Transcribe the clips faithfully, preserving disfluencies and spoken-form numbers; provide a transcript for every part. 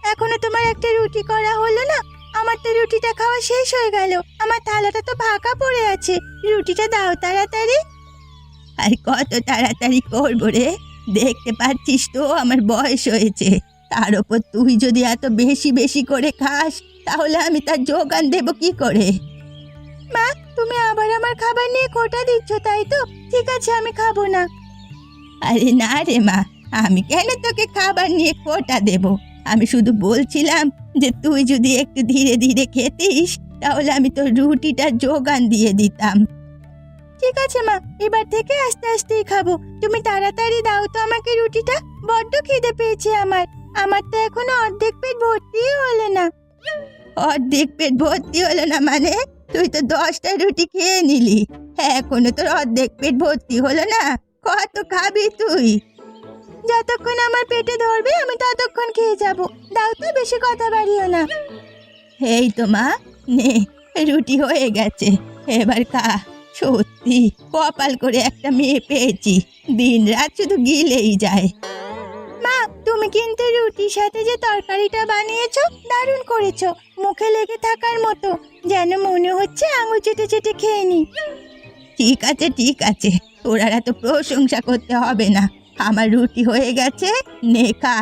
এখনো তোমার একটা রুটি করা হলো না? আমার তো রুটিটা খাওয়া শেষ হয়ে গেল, আমার থালাটা তো ফাঁকা পড়ে আছে। রুটিটা দাও তাড়াতাড়ি। আর কত তাড়াতাড়ি করবো রে? দেখতে পাচ্ছিস তো আমার বয়স হয়েছে, তার উপর তুই যদি এত বেশি বেশি করে খাস তাহলে আমি তার যোগান দেব কি করে? মা, তুমি আবার আমার খাবার নিয়ে খোঁটা দিচ্ছ তাই তো? ঠিক আছে, আমি খাবো না। আরে না রে মা, আমি কেন তোকে খাবার নিয়ে খোঁটা দেব? আমি শুধু বলছিলাম যে তুই যদি একটু ধীরে ধীরে খেতিস তাহলে আমি তোর রুটিটা যোগান দিয়ে দিতাম। ঠিক আছে মা, এবার থেকে আস্তে আস্তেই খাবো। তুমি তাড়াতাড়ি দাও তো আমাকে রুটিটা, বড্ড খিদে পেয়েছে আমার। আমার তো এখনো অর্ধেক পেট ভর্তি হলো না। অর্ধেক পেট ভর্তি হলো না মানে? তুই তো দশটা রুটি খেয়ে নিলি, এখনো তোর অর্ধেক পেট ভর্তি হলো না? কত খাবি তুই? যতক্ষণ আমার পেটে ধরবে আমি ততক্ষণ খেয়ে যাব। দাও তো, বেশি কথা বাড়িও না। এই তো মা, নে রুটি হয়ে গেছে, এবার খা। সত্যি কপাল করে একটা মেয়ে পেয়েছি, দিন রাত শুধু গিলেই যায়। মা, তুমি কিন্তু রুটির সাথে যে তরকারিটা বানিয়েছো দারুণ করেছো, মুখে লেগে থাকার মতো, যেন মনে হচ্ছে আঙুল চেটে চেটে খেয়ে নি। ঠিক আছে ঠিক আছে, তোর আর এত প্রশংসা করতে হবে না, আমার রুটি হয়ে গেছে, নে খা।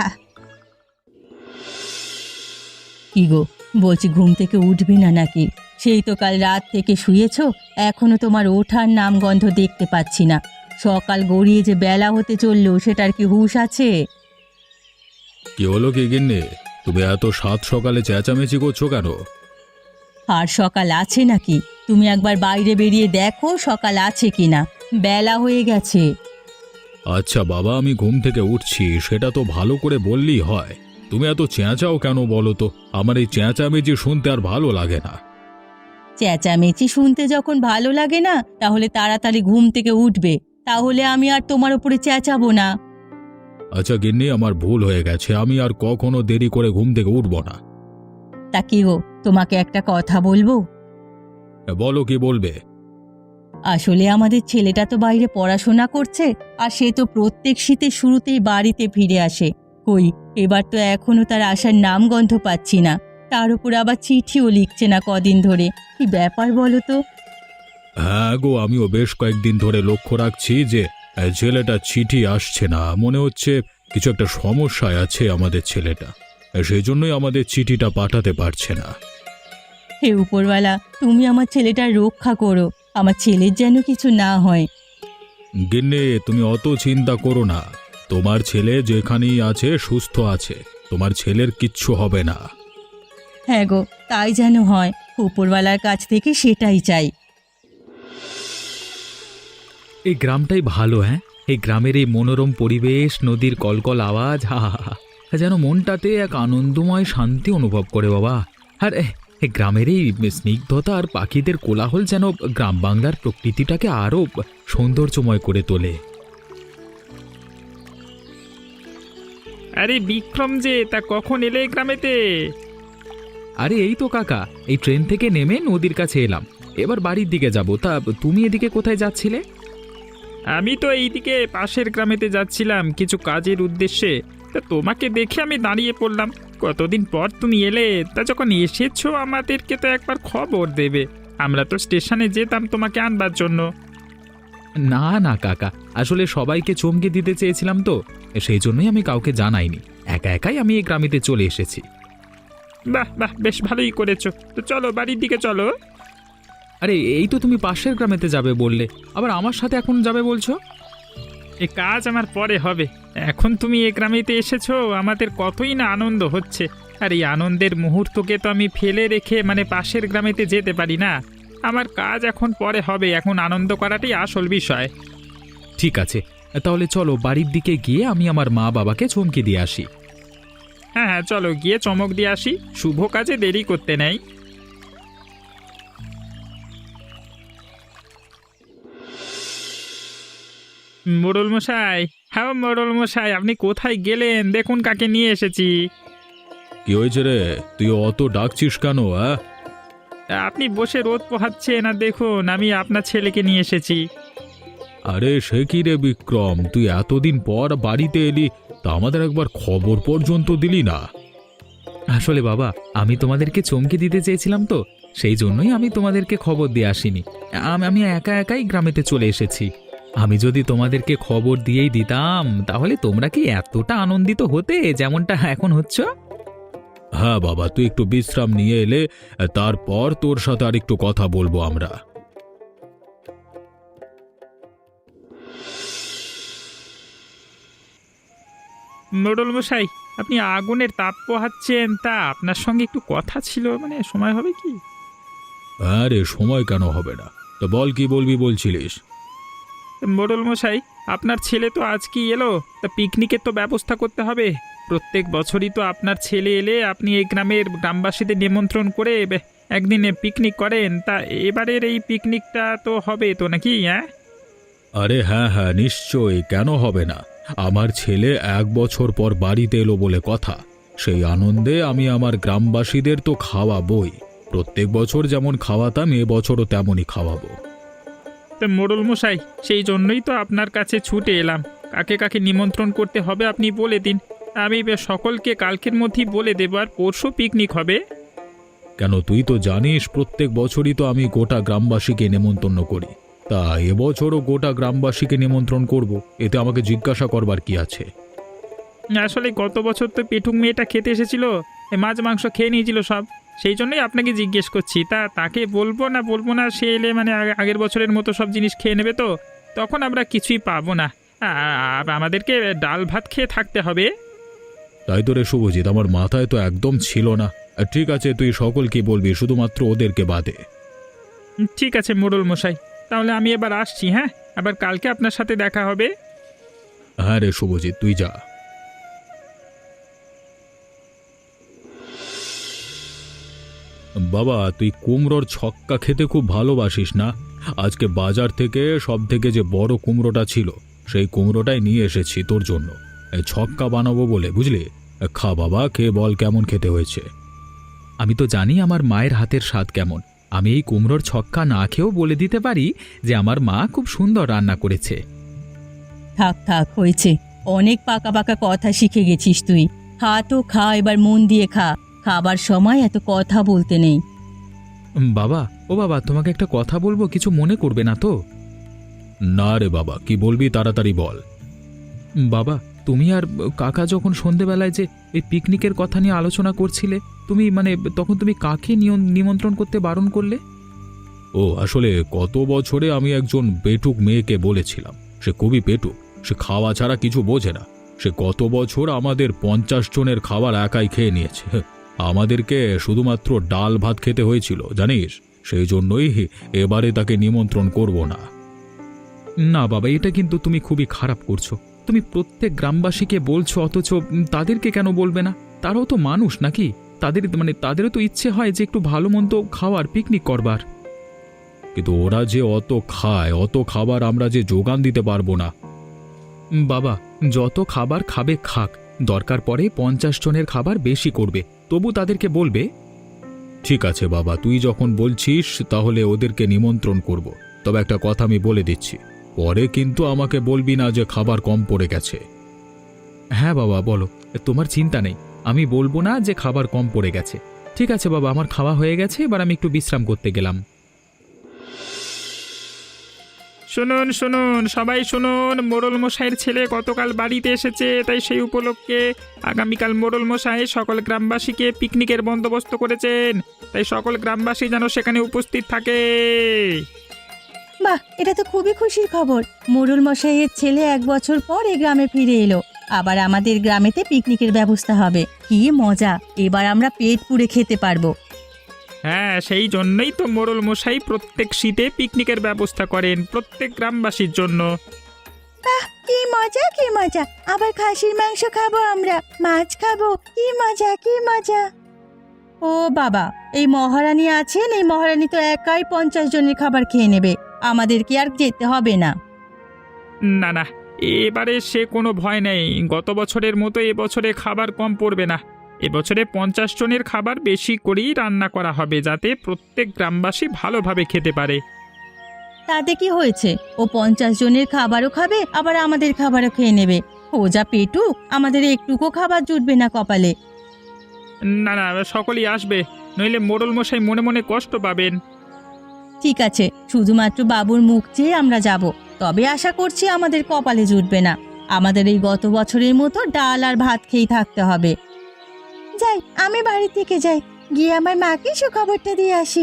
কি গো, বলছি ঘুম থেকে উঠবি না নাকি? সেই তো কাল রাত থেকে শুয়েছো, এখনো তোমার ওঠার নাম গন্ধ দেখতে পাচ্ছি না। সকাল গড়িয়ে যে বেলা হতে চললো সেটার কি হুঁশ আছে? কি হলো কি গিন্নি, তুমি এত সাত সকালে চেঁচামেচি করছো কেন? আর সকাল আছে নাকি? তুমি একবার বাইরে বেরিয়ে দেখো সকাল আছে কিনা, বেলা হয়ে গেছে। আচ্ছা বাবা, আমি ঘুম থেকে উঠছি সেটা তো ভালো করে বললেই হয়। তুমি এত চেঁচাও কেন বলো তো? আমার এই চেঁচামেচি শুনতে আর ভালো লাগে না। চেঁচামেচি শুনতে যখন ভালো লাগে না তাহলে তাড়াতাড়ি ঘুম থেকে উঠবে, তাহলে আমি আর তোমার উপরে চেঁচাবো না। আচ্ছা গিন্নি, আমার ভুল হয়ে গেছে, আমি আর কখনো দেরি করে ঘুম থেকে উঠবো না। তা কি গো, তোমাকে একটা কথা বলবো? বলো, কি বলবে? আসলে আমাদের ছেলেটা তো বাইরে পড়াশোনা করছে, আর সে তো প্রত্যেক শীতের শুরুতেই বাড়িতে ফিরে আসে। কই, এবার তো এখনো তার আসার নাম গন্ধ পাচ্ছি না, তার উপর আবার চিঠিও লিখছে না কদিন ধরে। কি ব্যাপার বলো তো? হ্যাঁ গো, আমিও বেশ কয়েকদিন ধরে লক্ষ্য রাখছি যে আহ, ছেলেটা চিঠি আসছে না। মনে হচ্ছে কিছু একটা সমস্যায় আছে আমাদের ছেলেটা, সেই জন্যই আমাদের চিঠিটা পাঠাতে পারছে না। হে উপরওয়ালা, তুমি আমার ছেলেটার রক্ষা করো, আমার ছেলের যেন কিছু না হয়। গিন্নি, তুমি অত চিন্তা করো না, তোমার ছেলে যেখানেই আছে সুস্থ আছে, তোমার ছেলের কিচ্ছু হবে না। হ্যাঁ গো, তাই যেন হয়, উপরওয়ালার কাছ থেকে সেটাই চাই। এই গ্রামটাই ভালো। হ্যাঁ, এই গ্রামের এই মনোরম পরিবেশ, নদীর কলকল আওয়াজ, হা হা হা, যেন মনটাতে এক আনন্দময় শান্তি অনুভব করে বাবা। আর এ, এই গ্রামের এই স্নিগ্ধতা আর পাখিদের কোলাহল যেন গ্রাম বাংলার প্রকৃতিটাকে আরো সৌন্দর্যময় করে তোলে। আরে বিক্রম যে, তা কখন এলে এই গ্রামেতে? আরে এই তো কাকা, এই ট্রেন থেকে নেমে নদীর কাছে এলাম, এবার বাড়ির দিকে যাব। তা তুমি এদিকে কোথায় যাচ্ছিলে? আমি তো এইদিকে পাশের গ্রামেতে যাচ্ছিলাম কিছু কাজের উদ্দেশ্যে, তা তোমাকে দেখে আমি দাঁড়িয়ে পড়লাম। কতদিন পর তুমি এলে, তা যখন এসেছো আমাদেরকে তো একবার খবর দেবে, আমরা তো স্টেশনে যেতাম তোমাকে আনবার জন্য। না না কাকা, আসলে সবাইকে চমকে দিতে চেয়েছিলাম তো, সেই জন্যই আমি কাউকে জানাইনি, একা একাই আমি এই গ্রামেতে চলে এসেছি। বাহ বাহ, বেশ ভালোই করেছো। তো চলো বাড়ির দিকে চলো। আরে এই তো তুমি পাশের গ্রামেতে যাবে বললে, আবার আমার সাথে এখন যাবে বলছো? এ কাজ আমার পরে হবে, এখন তুমি এ গ্রামেতে এসেছো, আমাদের কতই না আনন্দ হচ্ছে। আর এই আনন্দের মুহূর্তকে তো আমি ফেলে রেখে মানে পাশের গ্রামেতে যেতে পারি না। আমার কাজ এখন পরে হবে, এখন আনন্দ করাটাই আসল বিষয়। ঠিক আছে, তাহলে চলো বাড়ির দিকে গিয়ে আমি আমার মা বাবাকে চমকে দিয়ে আসি। হ্যাঁ হ্যাঁ, চলো গিয়ে চমক দিয়ে আসি, শুভ কাজে দেরি করতে নেই। মোড়ল মশাই, হ্যাঁ মোড়ল মশাই, আপনি কোথায় গেলেন? দেখুন কাকে নিয়ে এসেছি। কি হয়েছে রে, তুই অত ডাকছিস কেন? হ্যাঁ, আপনি বসে রোদ পোহাচ্ছেন, আর দেখুন আমি আপনার ছেলেকে নিয়ে এসেছি। আরে সে কি রে বিক্রম, তুই এতদিন পর বাড়িতে এলি, তা আমাদের একবার খবর পর্যন্ত দিলি না। আসলে বাবা, আমি তোমাদেরকে চমকে দিতে চেয়েছিলাম তো, সেই জন্যই আমি তোমাদেরকে খবর দিয়ে আসিনি। আম- আমি একা একাই গ্রামেতে চলে এসেছি। আমি যদি তোমাদেরকে খবর দিয়েই দিতাম তাহলে তোমরা কি এতটা আনন্দিত হতে যেমনটা এখন হচ্ছ? হ্যাঁ বাবা, তুই একটু বিশ্রাম নিয়ে এলে তারপর তোর সাথে আর একটু কথা বলবো আমরা। মোড়ল মশাই, আপনি আগুনের তাপ পোহাচ্ছেন, তা আপনার সঙ্গে একটু কথা ছিল, মানে সময় হবে কি? আরে সময় কেন হবে না, তো বল কি বলবি বলছিলিস? মোড়ল মশাই, আপনার ছেলে তো আজকেই এলো, তা পিকনিকের তো ব্যবস্থা করতে হবে। প্রত্যেক বছরই তো আপনার ছেলে এলে আপনি এই গ্রামের গ্রামবাসীদের নিমন্ত্রণ করে বে- একদিন পিকনিক করেন, তা এবারের এই পিকনিকটা তো হবে তো নাকি? হ্যাঁ, আরে হ্যাঁ হ্যাঁ, নিশ্চয়ই, কেন হবে না। আমার ছেলে এক বছর পর বাড়িতে এলো বলে কথা, সেই আনন্দে আমি আমার গ্রামবাসীদের তো খাওয়াবই। প্রত্যেক বছর যেমন খাওয়াতাম এ বছরও তেমনই খাওয়াবো। তো মোড়ল মশাই, সেই জন্যই তো আপনার কাছে ছুটে এলাম। কাকে কাকে নিমন্ত্রণ করতে হবে আপনি বলে দিন, আমি বে- সকলকে কালকের মধ্যেই বলে দেবো, আর পরশু পিকনিক হবে। কেন, তুই তো জানিস প্রত্যেক বছরই তো আমি গোটা গ্রামবাসীকে নেমন্তন্ন করি, তা এবছরও গোটা গ্রামবাসীকে নিমন্ত্রণ করব, এতে আমাকে জিজ্ঞাসা করবার কি আছে? আসলে গত বছর তো পেটুক মেয়েটা খেতে এসেছিল, এ মাছ মাংস খেয়ে নিয়েছিল সব, সেই জন্যই আপনাকে জিজ্ঞেস করছি। তা তাকে বলবো না বলবো না, সে এলে মানে আগে- আগের বছরের মতো সব জিনিস খেয়ে নেবে, তো তখন আমরা কিছুই পাবো না। আ- আ- আমাদেরকে ডাল ভাত খেয়ে থাকতে হবে। তাই তো রে শুভজিৎ, আমার মাথায় তো একদম ছিল না। আর ঠিক আছে, তুই সকলকে বলবি, শুধুমাত্র ওদেরকে বাদে। উম, ঠিক আছে মোড়ল মশাই, তাহলে আমি এবার আসছি। হ্যাঁ, আবার কালকে আপনার সাথে দেখা হবে। হ্যাঁ রে শুভজিৎ, তুই যা। বাবা, তুই কুমড়োর ছক্কা খেতে খুব ভালোবাসিস না? আজকে বাজার থেকে সব থেকে যে বড় কুমড়োটা ছিল সেই কুমড়োটাই নিয়ে এসেছি তোর জন্য। এই ছক্কা বানাবো বলে, বুঝলি? খা বাবা, খেয়ে বল কেমন খেতে হয়েছে। আমি তো জানি আমার মায়ের হাতের স্বাদ কেমন। আমি এই কুমড়োর ছক্কা না খেয়েও বলে দিতে পারি যে আমার মা খুব সুন্দর রান্না করেছে। থাক থাক, হয়েছে। অনেক পাকা পাকা কথা শিখে গেছিস তুই। খা তো খা, এবার মন দিয়ে খা। খাবার সময় এত কথা বলতে নেই। উম, বাবা, ও বাবা, তোমাকে একটা কথা বলবো, কিছু মনে করবে না তো? না রে বাবা, কি বলবি তাড়াতাড়ি বল। উম, বাবা, তুমি আর কাকা যখন সন্ধেবেলায় যে এই পিকনিকের কথা নিয়ে আলোচনা করছিলে, তুমি মানে তখন তুমি কাকে নিয়ন- নিমন্ত্রণ করতে বারণ করলে? ও আসলে গত বছরে আমি একজন পেটুক মেয়েকে বলেছিলাম, সে খুবই পেটুক, সে খাওয়া ছাড়া কিছু বোঝে না। সে গত বছর আমাদের পঞ্চাশ জনের খাবার একাই খেয়ে নিয়েছে। আমাদেরকে শুধুমাত্র ডাল ভাত খেতে হয়েছিল জানিস, সেই জন্যই এবারে তাকে নিমন্ত্রণ করব না। না বাবা, এটা কিন্তু তুমি খুবই খারাপ করছো। তুমি প্রত্যেক গ্রামবাসীকে বলছো, অথচ উম, তাদেরকে কেন বলবে না? তারাও তো মানুষ নাকি? তাদের মানে তাদেরও তো ইচ্ছে হয় যে একটু ভালো মন্দ খাওয়ার, পিকনিক করবার। কিন্তু ওরা যে অত খায়, অত খাবার আমরা যে যোগান দিতে পারবো না। উম, বাবা, যত খাবার খাবে খাক, দরকার পড়ে পঞ্চাশ জনের খাবার বেশি করবে, তবু তাদেরকে বলবে। ঠিক আছে বাবা, তুই যখন বলছিস তাহলে ওদেরকে নিমন্ত্রণ করব। তবে একটা কথা আমি বলে দিচ্ছি, পরে কিন্তু আমাকে বলবি না যে খাবার কম পড়ে গেছে। হ্যাঁ বাবা, বলো, তোমার চিন্তা নেই, আমি বলবো না যে খাবার কম পড়ে গেছে। ঠিক আছে বাবা, আমার খাওয়া হয়ে গেছে, এবার আমি একটু বিশ্রাম করতে গেলাম। শুনুন শুনুন সবাই শুনুন, মোড়ল মশাইয়ের ছেলে গতকাল বাড়িতে এসেছে, তাই সেই উপলক্ষে আগামীকাল মোড়ল মশাই সকল গ্রামবাসীকে পিকনিকের বন্দোবস্ত করেছেন, তাই সকল গ্রামবাসী যেন সেখানে উপস্থিত থাকে। বাহ, এটা তো খুবই খুশির খবর। মোড়ল মশাইয়ের ছেলে এক বছর পর এই গ্রামে ফিরে এলো। আবার আমাদের গ্রামেতে পিকনিকের ব্যবস্থা হবে। কি মজা! এবার আমরা পেট পুড়ে খেতে পারবো। হ্যাঁ, সেই জন্যই তো মোড়ল মশাই প্রত্যেক শীতে পিকনিকের ব্যবস্থা করেন প্রত্যেক গ্রামবাসীর জন্য। কি মজা, কি মজা! আবার খাসির মাংস খাবো আমরা, মাছ খাবো। কি মজা, কি মজা! ও বাবা, এই মহারানী আছেন, এই মহারানী তো একাই পঞ্চাশ জনের খাবার খেয়ে নেবে। আমাদেরকে আর যেতে হবে না। না না, এবারে সে কোনো ভয় নেই। গত বছরের মতো এবছরে খাবার কম পড়বে না। এবছরে পঞ্চাশ জনের খাবার বেশি করেই রান্না করা হবে, যাতে প্রত্যেক গ্রামবাসী ভালোভাবে খেতে পারে। তাতে কি হয়েছে? ও পঞ্চাশ জনের খাবারও খাবে, আবার আমাদের খাবারও খেয়ে নেবে। ও যা পেটু, আমাদের একটুকু খাবার জুটবে না কপালে। না না, সকলেই আসবে, নইলে মোড়ল মশাই মনে মনে কষ্ট পাবেন। ঠিক আছে, শুধুমাত্র বাবুর মুখ চেয়ে আমরা যাব, তবে আশা করছি আমাদের কপালে জুটবে না। আমাদের এই গত বছরের মতো ডাল আর ভাত খেয়েই থাকতে হবে। যাই, আমি বাড়ি থেকে যাই, গিয়ে আমার মাকে সুখবরটা দিয়ে আসি।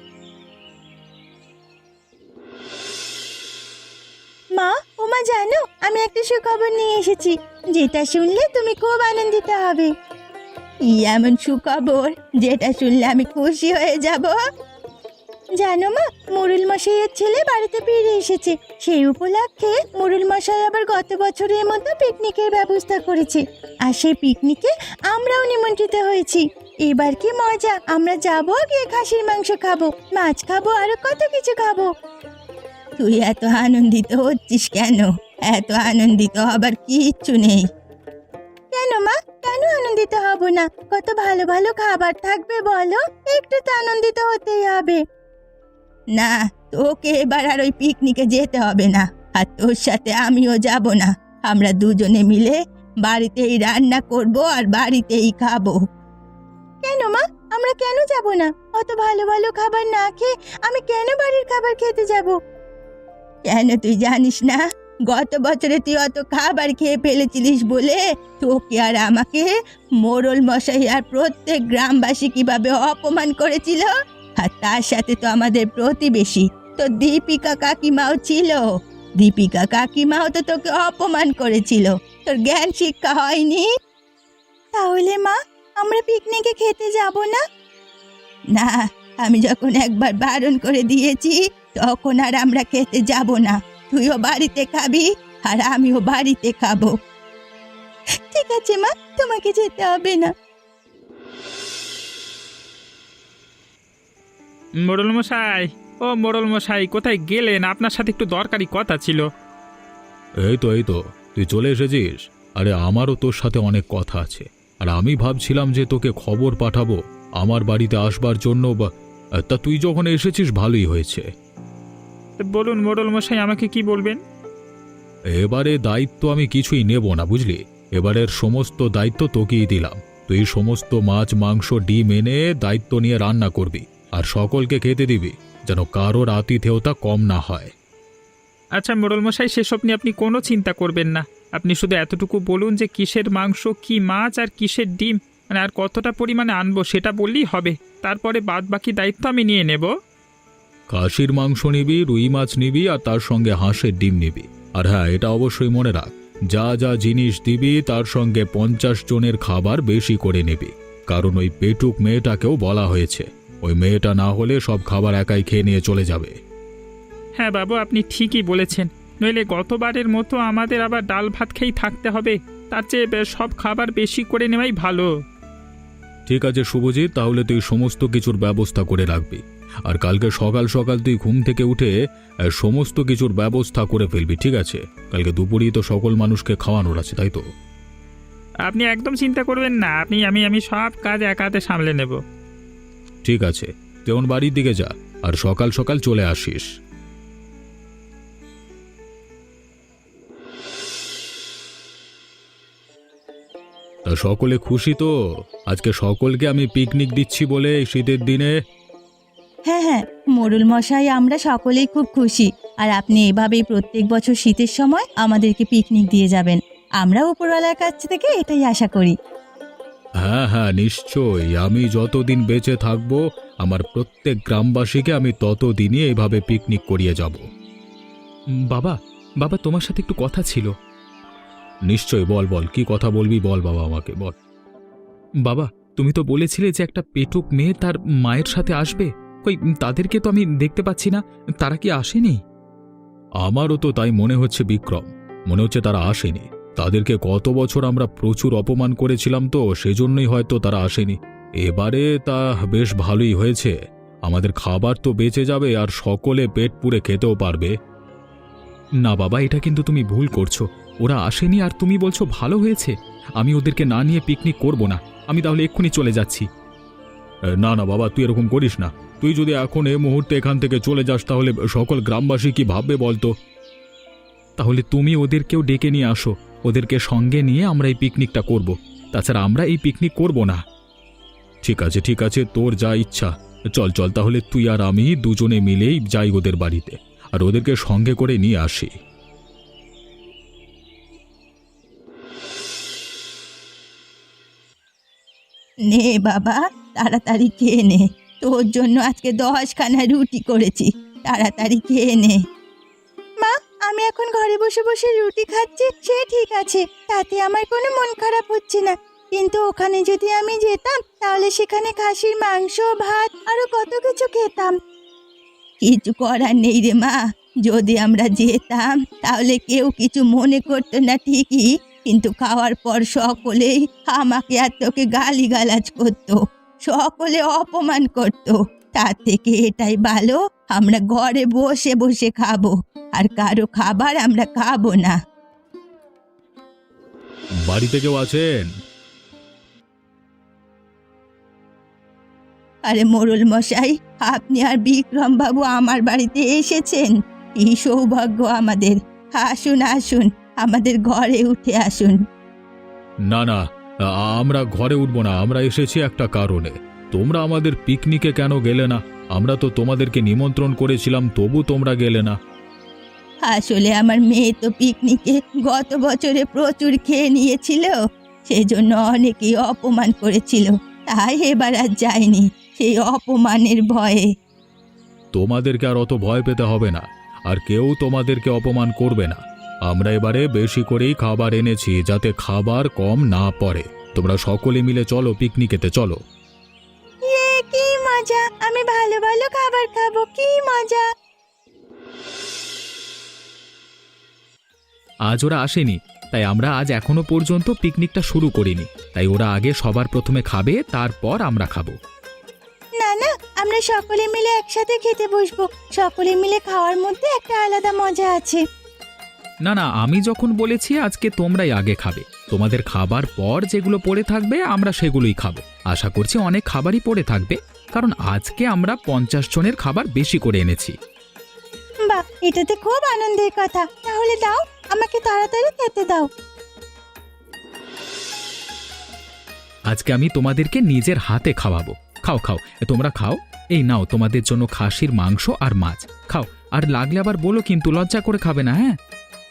মা, ওমা জানো, আমি একটা সুখবর নিয়ে এসেছি, যেটা শুনলে তুমি খুব আনন্দিত হবে। কি এমন সুখবর যেটা শুনলে আমি খুশি হয়ে যাব? জানো মা, মোড়ল মশাইয়ের ছেলে বাড়িতে ফিরে এসেছে। সেই উপলক্ষে মোড়ল মশাই আবার গত বছরের মতো পিকনিকের ব্যবস্থা করেছে, আর সেই পিকনিকে আমরাও নিমন্ত্রিত হয়েছি। এবার কি মজা! আমরা যাবো, গিয়ে খাসির মাংস খাবো, মাছ খাবো, আরো কত কিছু খাবো। তুই এত আনন্দিত হচ্ছিস কেন? এত আনন্দিত হবার কিচ্ছু নেই। কেন মা, কেন আনন্দিত হব না? কত ভালো ভালো খাবার থাকবে বলো, একটু তো আনন্দিত হতেই হবে। না, তোকে এবার আর ওই পিকনিকে যেতে হবে না, আর তোর সাথে আমিও যাব না। আমরা দুজনে মিলে বাড়িতেই রান্না করব আর বাড়িতেই খাবো। কেন মা, আমরা কেন যাব না? অত ভালো ভালো খাবার না খেয়ে আমি কেন বাড়ির খাবার খেতে যাব? কেন তুই জানিস না? গত বছরে তুই অত খাবার খেয়ে ফেলেছিলিস বলে তোকে আর আমাকে মোড়ল মশাই আর প্রত্যেক গ্রামবাসী কিভাবে অপমান করেছিল। আর তার সাথে তো আমাদের প্রতিবেশী তো দীপিকা কাকিমাও ছিল। দীপিকা কাকিমাও তো তোকে অপমান করেছিল, তোর জ্ঞান শিক্ষা হয়নি? তাহলে মা, আমরা পিকনিকে খেতে যাব না? না, আমি যখন একবার বারণ করে দিয়েছি তখন আর আমরা খেতে যাব না। তুইও বাড়িতে খাবি আর আমিও বাড়িতে খাবো। ঠিক আছে মা, তোমাকে যেতে হবে না। মোড়ল মশাই, ও মোড়ল মশাই, কোথায় গেলেন? আপনার সাথে একটু দরকারি কথা ছিল। এই তো এই তো তুই চলে এসেছিস। আরে আমারও তোর সাথে অনেক কথা আছে, আর আমি ভাবছিলাম যে তোকে খবর পাঠাবো আমার বাড়িতে আসবার জন্য, বা তা তুই যখন এসেছিস ভালোই হয়েছে। বলুন মোড়ল মশাই, আমাকে কি বলবেন? এবারে দায়িত্ব আমি কিছুই নেব না, বুঝলি? এবারের সমস্ত দায়িত্ব তোকেই দিলাম। তুই সমস্ত মাছ, মাংস, ডিম এনে দায়িত্ব নিয়ে রান্না করবি আর সকলকে খেতে দিবি, যেন কারোর আতিথেয়তা কম না হয়। আচ্ছা মোড়ল মশাই, সেসব নিয়ে আপনি কোনো চিন্তা করবেন না। আপনি শুধু এতটুকু বলুন যে কিসের মাংস, কি মাছ আর কিসের ডিম, মানে আর কতটা পরিমাণে আনবো সেটা বললেই হবে। তারপরে বাদ বাকি দায়িত্ব আমি নিয়ে নেব। খাসির মাংস নিবি, রুই মাছ নিবি, আর তার সঙ্গে হাঁসের ডিম নিবি। আর হ্যাঁ, এটা অবশ্যই মনে রাখ, যা যা জিনিস দিবি তার সঙ্গে পঞ্চাশ জনের খাবার বেশি করে নিবি, কারণ ওই পেটুক মেয়েটাকেও বলা হয়েছে। ওই মেয়েটা না হলে সব খাবার একাই খেয়ে নিয়ে চলে যাবে। হ্যাঁ বাবু, আপনি ঠিকই বলেছেন, নইলে গতবারের মতো আমাদের আবার ডাল ভাত খেয়েই থাকতে হবে। তার চেয়ে সব খাবার বেশি করে নেওয়াই ভালো। ঠিক আছে শুভজিৎ, তাহলে তুই সমস্ত কিছুর ব্যবস্থা করে রাখবি, আর কালকে সকাল সকাল তুই ঘুম থেকে উঠে আহ, সমস্ত কিছুর ব্যবস্থা করে ফেলবি, ঠিক আছে? কালকে দুপুরেই তো সকল মানুষকে খাওয়ানোর আছে, তাই তো? আপনি একদম চিন্তা করবেন না, আপনি আমি আমি সব কাজ একা হাতে সামলে নেব। ঠিক আছে, তেমন বাড়ির দিকে যা, আর সকাল সকাল চলে আসিস। তা সকলে খুশি তো? আজকে সকলকে আমি পিকনিক দিচ্ছি বলে এই শীতের দিনে। হ্যাঁ হ্যাঁ, মোড়ল মশাই, আমরা সকলেই খুব খুশি। আর আপনি এভাবেই প্রত্যেক বছর শীতের সময় আমাদেরকে পিকনিক দিয়ে যাবেন, আমরা উপরওয়ালার কাছ থেকে এটাই আশা করি। হ্যাঁ হ্যাঁ, নিশ্চয়ই। আমি যতদিন বেঁচে থাকবো আমার প্রত্যেক গ্রামবাসীকে আমি ততদিনই এইভাবে পিকনিক করিয়ে যাব। উম, বাবা বাবা তোমার সাথে একটু কথা ছিল। নিশ্চয়ই, বল বল, কি কথা বলবি বল বাবা, আমাকে বল। বাবা, তুমি তো বলেছিলে যে একটা পেটুক মেয়ে তার মায়ের সাথে আসবে, কই তাদেরকে তো আমি দেখতে পাচ্ছি না, তারা কি আসেনি? আমারও তো তাই মনে হচ্ছে বিক্রম, মনে হচ্ছে তারা আসেনি। তাদেরকে গত বছর আমরা প্রচুর অপমান করেছিলাম, তো সেজন্যই হয়তো তারা আসেনি। এবারে তা বেশ ভালোই হয়েছে, আমাদের খাবার তো বেঁচে যাবে আর সকলে পেট পুড়ে খেতেও পারবে। না বাবা, এটা কিন্তু তুমি ভুল করছো। ওরা আসেনি আর তুমি বলছো ভালো হয়েছে। আমি ওদেরকে না নিয়ে পিকনিক করব না, আমি তাহলে এক্ষুনি চলে যাচ্ছি। না না বাবা, তুই এরকম করিস না। তুই যদি এখন এই মুহূর্তে এখান থেকে চলে যাস তাহলে সকল গ্রামবাসী কি ভাববে বলতো? তাহলে তুমি ওদেরকেও ডেকে নিয়ে আসো, ওদেরকে সঙ্গে নিয়ে আমরা এই পিকনিকটা করব। তাছাড়া আমরা এই পিকনিক করব না। ঠিক আছে ঠিক আছে, তোর যা ইচ্ছা। চল চল তাহলে তুই আর আমি দুজনে মিলেই যাই ওদের বাড়িতে, আর ওদেরকে সঙ্গে করে নিয়ে আসি। নে বাবা, তাড়াতাড়ি খেয়ে নে। তোর জন্য আজকে দশখানা রুটি করেছি, তাড়াতাড়ি খেয়ে নে। মা, আমি এখন ঘরে বসে বসে রুটি খাচ্ছি, সে ঠিক আছে, তাতে আমার কোনো মন খারাপ হচ্ছে না। কিন্তু ওখানে যদি আমি যেতাম তাহলে সেখানে খাসির মাংস, ভাত আরো কত কিছু খেতাম। কিছু করার নেই রে মা, যদি আমরা যেতাম তাহলে কেউ কিছু মনে করতো না ঠিকই, কিন্তু খাওয়ার পর সকলেই আমাকে আর তোকে গালিগালাজ করতো, সকলে অপমান করতো। তার থেকে এটাই ভালো, আমরা ঘরে বসে বসে খাবো, আর কারো খাবার আমরা খাবো না। বাড়িতে কেউ আছেন? আরে মোড়ল মশাই, আপনি আর বিক্রম বাবু আমার বাড়িতে এসেছেন, কি সৌভাগ্য আমাদের। আসুন আসুন, আমাদের ঘরে উঠে আসুন। না না, আমরা ঘরে উঠবো না, আমরা এসেছি একটা কারণে। তোমরা আমাদের পিকনিকে কেন গেলে না? আমরা তো তোমাদেরকে নিমন্ত্রণ করেছিলাম, তবু তোমরা গেলে না। আসলে আমার মেয়ে তো পিকনিকে গত বছরে প্রচুর খেয়ে নিয়েছিল, সেজন্য অনেকেই অপমান করেছিল, তাই এবার আর যায়নি, সেই অপমানের ভয়ে। তোমাদেরকে আর অত ভয় পেতে হবে না, আর কেউ তোমাদেরকে অপমান করবে না। আমরা এবারে বেশি করেই খাবার এনেছি, যাতে খাবার কম না পড়ে। তোমরা সকলে মিলে চলো, পিকনিকেতে চলো। এ কি মজা, আমি ভালো ভালো খাবার খাবো, কি মজা। আজ ওরা আসেনি, তাই আমরা আজ এখনো পর্যন্ত পিকনিকটা শুরু করিনি। তাই ওরা আগে সবার প্রথমে খাবে, তারপর আমরা খাবো। না না, আমরা সকলে মিলে একসাথে খেতে বসবো, সকলে মিলে খাওয়ার মধ্যে একটা আলাদা মজা আছে। না না, আমি যখন বলেছি আজকে তোমরাই আগে খাবে, তোমাদের খাবার পর যেগুলো পড়ে থাকবে আমরা সেগুলোই খাবো। আশা করছি অনেক খাবারই পড়ে থাকবে, কারণ আজকে আমরা পঞ্চাশ জনের খাবার বেশি করে এনেছি। বাহ, এটাতে খুব আনন্দের কথা। তাহলে দাও, আমাকে তাড়াতাড়ি খেতে দাও। আজকে আমি তোমাদেরকে নিজের হাতে খাওয়াবো। খাও খাও, তোমরা খাও। এই নাও তোমাদের জন্য খাসির মাংস আর মাছ, খাও। আর লাগলে আবার বলো কিন্তু, লজ্জা করে খাবে না, হ্যাঁ?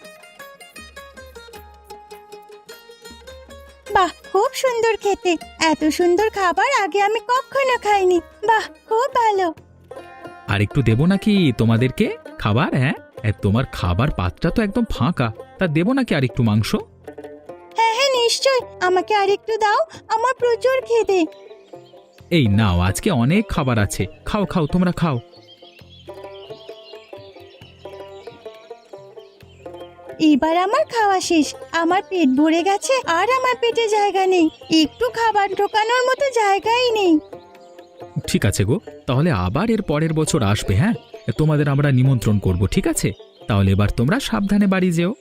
বাহ, খুব সুন্দর খেতে, এত সুন্দর খাবার আগে আমি কখনো খাইনি। বাহ, খুব ভালো। আর একটু দেবো নাকি তোমাদেরকে খাবার? হ্যাঁ, এ, তোমার খাবার পাত্রটা তো একদম ফাঁকা, তা দেবো নাকি আর একটু মাংস? হ্যাঁ হ্যাঁ নিশ্চয়, আমাকে আরেকটু দাও, আমার প্রচুর খিদে। এই নাও, আজকে অনেক খাবার আছে, খাও খাও, তোমরা খাও। এবার আমার খাওয়া শেষ, আমার পেট ভরে গেছে, আর আমার পেটে জায়গা নেই, একটু খাবার ঢোকানোর মতো জায়গাই নেই। ঠিক আছে গো, তাহলে আবার এর পরের বছর আসবে, হ্যাঁ? তোমাদের আমরা নিমন্ত্রণ করব, ঠিক আছে? তাহলে এবার তোমরা সাবধানে বাড়ি যেও।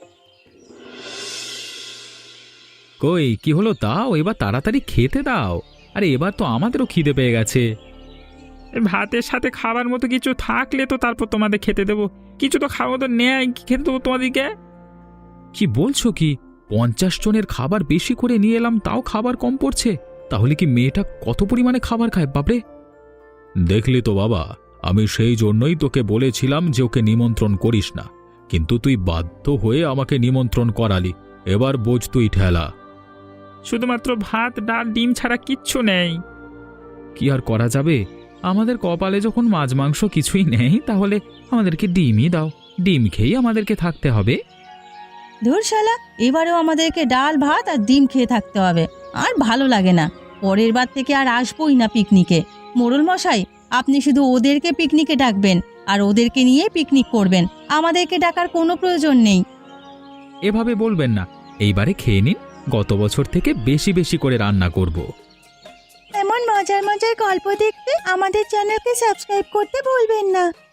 কই কি হলো তাও, এবার তাড়াতাড়ি খেতে দাও। আরে এবার তো আমাদেরও খিদে পেয়ে গেছে। এ ভাতের সাথে খাবার মতো কিছু থাকলে তো তারপর তোমাদের খেতে দেবো। কিছু তো খাওয়া তো নেয়, কি খেতে দেবো তোমাদেরকে? কি বলছো কি? পঞ্চাশ জনের খাবার বেশি করে নিয়ে এলাম, তাও খাবার কম পড়ছে? তাহলে কি মেয়েটা কত পরিমাণে খাবার খায় বাপরে! দেখলি তো বাবা, আমি সেই জন্যই তোকে বলেছিলাম যে ওকে নিমন্ত্রণ করিস না, কিন্তু তুই বাধ্য হয়ে আমাকে নিমন্ত্রণ করালি। এবার বোঝ তুই ঠেলা। শুধুমাত্র ভাত, ডাল, ডিম ছাড়া কিচ্ছু নেই। কি আর করা যাবে, আমাদের কপালে যখন মাছ মাংস কিছুই নেই, তাহলে আমাদেরকে ডিমই দাও। ডিম খেয়েই আমাদেরকে থাকতে হবে। ধুর শালা, এবারেও আমাদেরকে ডাল ভাত আর ডিম খেয়ে থাকতে হবে, আর ভালো লাগে না। পরের বার থেকে আর আসবোই না পিকনিকে। মোড়ল মশাই, আপনি শুধু ওদেরকে পিকনিকে ডাকবেন আর ওদেরকে নিয়ে পিকনিক করবেন, আমাদেরকে ডাকার কোনো প্রয়োজন নেই। এভাবে বলবেন না, এইবারে খেয়ে নিন, গত বছর থেকে বেশি বেশি করে রান্না করব। এমন মজার মজার গল্প দেখতে আমাদের চ্যানেলকে সাবস্ক্রাইব করতে ভুলবেন না।